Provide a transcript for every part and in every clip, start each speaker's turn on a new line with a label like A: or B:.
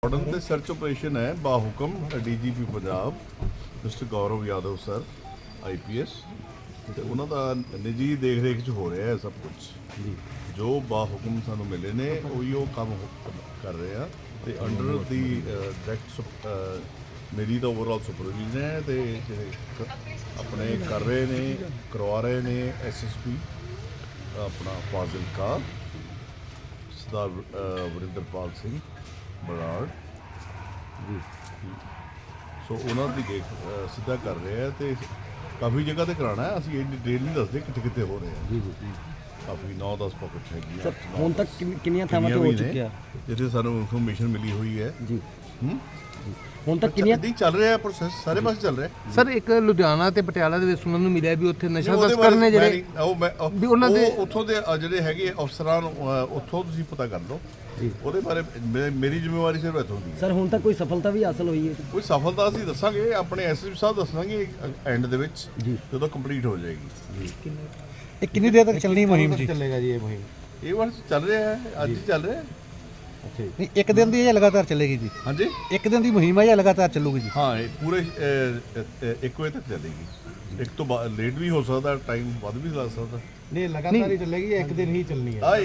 A: modern ਤੇ search operation ਹੈ ਬਾਹੁਕਮ DGP Punjab mister Gaurav Yadav sir IPS ਤੇ ਉਹਨਾਂ ਦਾ ਨਿੱਜੀ ਦੇਖ ਰੇਖ ਚ ਹੋ ਰਿਹਾ ਹੈ ਸਭ ਕੁਝ ਜੋ ਬਾਹੁਕਮ ਸਾਨੂੰ ਮਿਲੇ ਨੇ ਉਹੀ ਉਹ ਕੰਮ ਕਰ ਰਹੇ ਆ ਤੇ ਅੰਡਰ ਦੀ ਡਾਇਰੈਕਟ ਮੇਰੀ ਤਾਂ ਓਵਰਆਲ ਸੁਪਰਵਿਜ਼ਨ ਹੈ ਤੇ ਜਿਹੜੇ ਆਪਣੇ ਕਰ ਰਹੇ ਨੇ ਕਰਵਾ ਰਹੇ ਨੇ ਐਸਐਸਪੀ ਆਪਣਾ ਫਾਜ਼ਿਲਕਾ ਸਰਦਾਰ ਵਰਿੰਦਰਪਾਲ ਸਿੰਘ ਬਰਾੜ ਜੀ ਸੋ ਉਹਨਾਂ ਦੀ ਦੇਖ ਸਿੱਧਾ ਕਰ ਰਹੇ ਆ ਤੇ ਕਾਫੀ ਜਗ੍ਹਾ ਤੇ ਕਰਾਉਣਾ ਹੈ ਅਸੀਂ ਇਹ ਡਿਟੇਲ ਨਹੀਂ ਦੱਸਦੇ ਕਿੱਥੇ ਕਿੱਥੇ ਹੋ ਰਹੇ ਆ ਜੀ ਜੀ ਕਾਫੀ 9-10 ਪਾਕਟ ਹੈਗੀਆਂ
B: ਹੁਣ ਤੱਕ ਕਿੰਨੀਆਂ ਥਾਵਾਂ ਤੇ ਹੋ ਚੁੱਕਿਆ
A: ਜਿੱਥੇ ਸਾਨੂੰ ਇਨਫੋਰਮੇਸ਼ਨ ਮਿਲੀ ਹੋਈ ਹੈ
B: ਜੀ ਹੁਣ ਤੱਕ ਕਿੰਨੀਆਂ
A: ਚੱਲ ਰਿਹਾ ਪ੍ਰੋਸੈਸ ਸਾਰੇ ਪਾਸੇ ਚੱਲ ਰਿਹਾ
C: ਸਰ ਇੱਕ ਲੁਧਿਆਣਾ ਤੇ ਪਟਿਆਲਾ ਦੇ ਵਿੱਚ ਸੁਣਨ ਨੂੰ ਮਿਲਿਆ ਵੀ ਉੱਥੇ ਨਸ਼ਾ ਤਸਕਰ ਨੇ ਜਿਹੜੇ ਵੀ ਉਹਨਾਂ ਦੇ
A: ਉੱਥੋਂ ਦੇ ਜਿਹੜੇ ਹੈਗੇ ਅਫਸਰਾਂ ਨੂੰ ਉੱਥੋਂ ਤੁਸੀਂ ਪਤਾ ਕਰ ਲਓ ਉਹਦੇ ਬਾਰੇ ਮੇਰੀ ਜ਼ਿੰਮੇਵਾਰੀ ਸਿਰਫ ਇੱਥੋਂ ਦੀ
B: ਸਰ ਹੁਣ ਤੱਕ ਕੋਈ ਸਫਲਤਾ ਵੀ ਹਾਸਲ ਹੋਈ ਹੈ
A: ਕੋਈ ਸਫਲਤਾ ਅਸੀਂ ਦੱਸਾਂਗੇ ਆਪਣੇ ਐਸਐਸਪੀ ਸਾਹਿਬ ਦੱਸਾਂਗੇ ਐਂਡ ਦੇ ਵਿੱਚ ਜਦੋਂ ਕੰਪਲੀਟ ਹੋ ਜਾਏਗੀ
C: ਇਹ ਕਿੰਨੀ ਦੇਰ ਤੱਕ ਚੱਲਣੀ ਮੁਹਿੰਮ ਜੀ ਚੱਲੇਗਾ ਜੀ ਇਹ ਮੁਹਿੰਮ
A: ਇਹ ਵਾਰ ਚੱਲ ਰਿਹਾ ਹੈ ਅੱਜ ਹੀ ਚੱਲ ਰਿਹਾ ਹੈ
C: ਨਹੀਂ ਇੱਕ ਦਿਨ ਦੀ ਇਹ ਲਗਾਤਾਰ ਚੱਲੇਗੀ ਜੀ
A: ਹਾਂਜੀ
C: ਇੱਕ ਦਿਨ ਦੀ ਮੁਹਿੰਮ ਹੈ ਜਾਂ ਲਗਾਤਾਰ ਚੱਲੂਗੀ ਜੀ
A: ਹਾਂ ਇਹ ਪੂਰੇ 1 ਵਜੇ ਤੱਕ ਚੱਲੇਗੀ ਇੱਕ ਤੋਂ ਲੇਟ ਵੀ ਹੋ ਸਕਦਾ ਟਾਈਮ ਵੱਧ ਵੀ ਲੱਗ ਸਕਦਾ
C: ਨਹੀਂ ਲਗਾਤਾਰ ਹੀ ਚੱਲੇਗੀ ਜਾਂ ਇੱਕ ਦਿਨ ਹੀ ਚੱਲਣੀ ਹੈ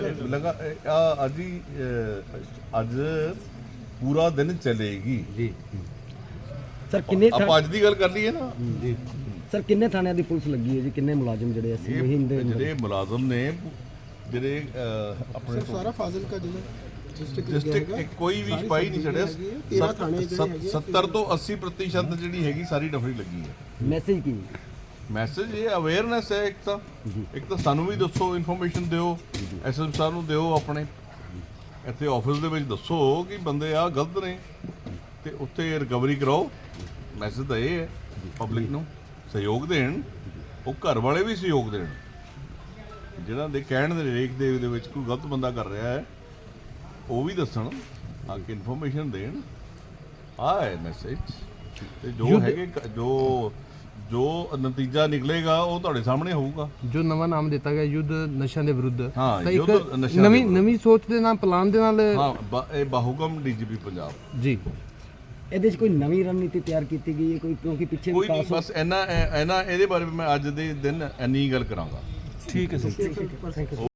A: ਅੱਜ ਪੂਰਾ ਦਿਨ ਚੱਲੇਗੀ
C: ਜੀ
B: ਸਰ ਕਿੰਨੇ
A: ਆਪਾਂ ਅੱਜ ਦੀ ਗੱਲ ਕਰ ਲਈਏ ਨਾ
C: ਜੀ
B: ਸਰ ਕਿੰਨੇ ਥਾਣਿਆਂ ਦੀ ਪੁਲਿਸ ਲੱਗੀ ਹੈ ਜੀ ਕਿੰਨੇ ਮੁਲਾਜ਼ਮ ਜਿਹੜੇ ਅਸੀਂ ਮੁਹਿੰਮ ਦੇ
A: ਜਿਹੜੇ ਮੁਲਾਜ਼ਮ ਨੇ ਜਿਹੜੇ ਆਪਣੇ
D: ਸਾਰਾ ਫਾਜ਼ਿਲਕਾ ਜ਼ਿਲ੍ਹਾ
A: ਡਿਸਟ੍ਰਿਕਟ ਕੋਈ ਵੀ ਸਿਪਾਹੀ ਨਹੀਂ ਛੱਡਿਆ 70 ਤੋਂ 80% ਜਿਹੜੀ ਹੈਗੀ ਸਾਰੀ ਨਫਰੀ ਲੱਗੀ ਹੈ
B: ਮੈਸੇਜ ਕੀ
A: ਮੈਸੇਜ ਇਹ ਅਵੇਅਰਨੈਸ ਹੈ ਇੱਕ ਤਾਂ ਸਾਨੂੰ ਵੀ ਦੱਸੋ ਇਨਫੋਰਮੇਸ਼ਨ ਦਿਓ ਐਸਐਸਪੀ ਸਾਹਿਬ ਨੂੰ ਦਿਓ ਆਪਣੇ ਇੱਥੇ ਆਫਿਸ ਦੇ ਵਿੱਚ ਦੱਸੋ ਕਿ ਬੰਦੇ ਆ ਗਲਤ ਨੇ ਤੇ ਉੱਥੇ ਰਿਕਵਰੀ ਕਰਾਓ ਮੈਸੇਜ ਤਾਂ ਇਹ ਹੈ ਪਬਲਿਕ ਨੂੰ ਸਹਿਯੋਗ ਦੇਣ ਉਹ ਘਰ ਵਾਲੇ ਵੀ ਸਹਿਯੋਗ ਦੇਣ ਜਿਹਨਾਂ ਦੇ ਕਹਿਣ ਦੇ ਰੇਖ ਦੇ ਵਿੱਚ ਕੋਈ ਗਲਤ ਬੰਦਾ ਕਰ ਰਿਹਾ ਹੈ ਉਹ ਵੀ ਦੱਸਣ ਆ ਕੇ ਇਨਫੋਰਮੇਸ਼ਨ ਦੇਣ ਆ ਹੈ ਮੈਸੇਜ ਤੇ ਜੋ ਹੈਗੇ ਜੋ ਨਤੀਜਾ ਨਿਕਲੇਗਾ ਉਹ ਤੁਹਾਡੇ ਸਾਹਮਣੇ ਹੋਊਗਾ
C: ਜੋ ਨਵਾਂ ਨਾਮ ਦਿੱਤਾ ਗਿਆ ਯੁੱਧ ਨਸ਼ਿਆਂ ਦੇ ਵਿਰੁੱਧ
A: ਹਾਂ,
C: ਤਾਂ
A: ਯੁੱਧ
C: ਇੱਕ
A: ਨਸ਼ਿਆਂ ਦੇ
C: ਨਵੀਂ ਸੋਚ ਦੇ ਨਾਲ ਪਲਾਨ ਦੇ ਨਾਲ
A: ਹਾਂ ਇਹ ਬਾਹੁਕਮ ਡੀਜੀਪੀ ਪੰਜਾਬ
C: ਜੀ
B: ਇਹਦੇ 'ਚ ਕੋਈ ਨਵੀਂ ਰਣਨੀਤੀ ਤਿਆਰ ਕੀਤੀ ਗਈ ਹੈ ਕੋਈ ਕਿਉਂਕਿ ਪਿੱਛੇ
A: ਕੋਈ ਨਹੀਂ
B: ਵਿਕਾਸ
A: ਬਸ ਇਹਨਾਂ ਇਹਦੇ ਬਾਰੇ ਮੈਂ ਅੱਜ ਦੇ ਦਿਨ ਇੰਨੀ ਗੱਲ ਕਰਾਂਗਾ
C: ਠੀਕ ਹੈ ਸਰ
B: ਥੈਂਕ ਯੂ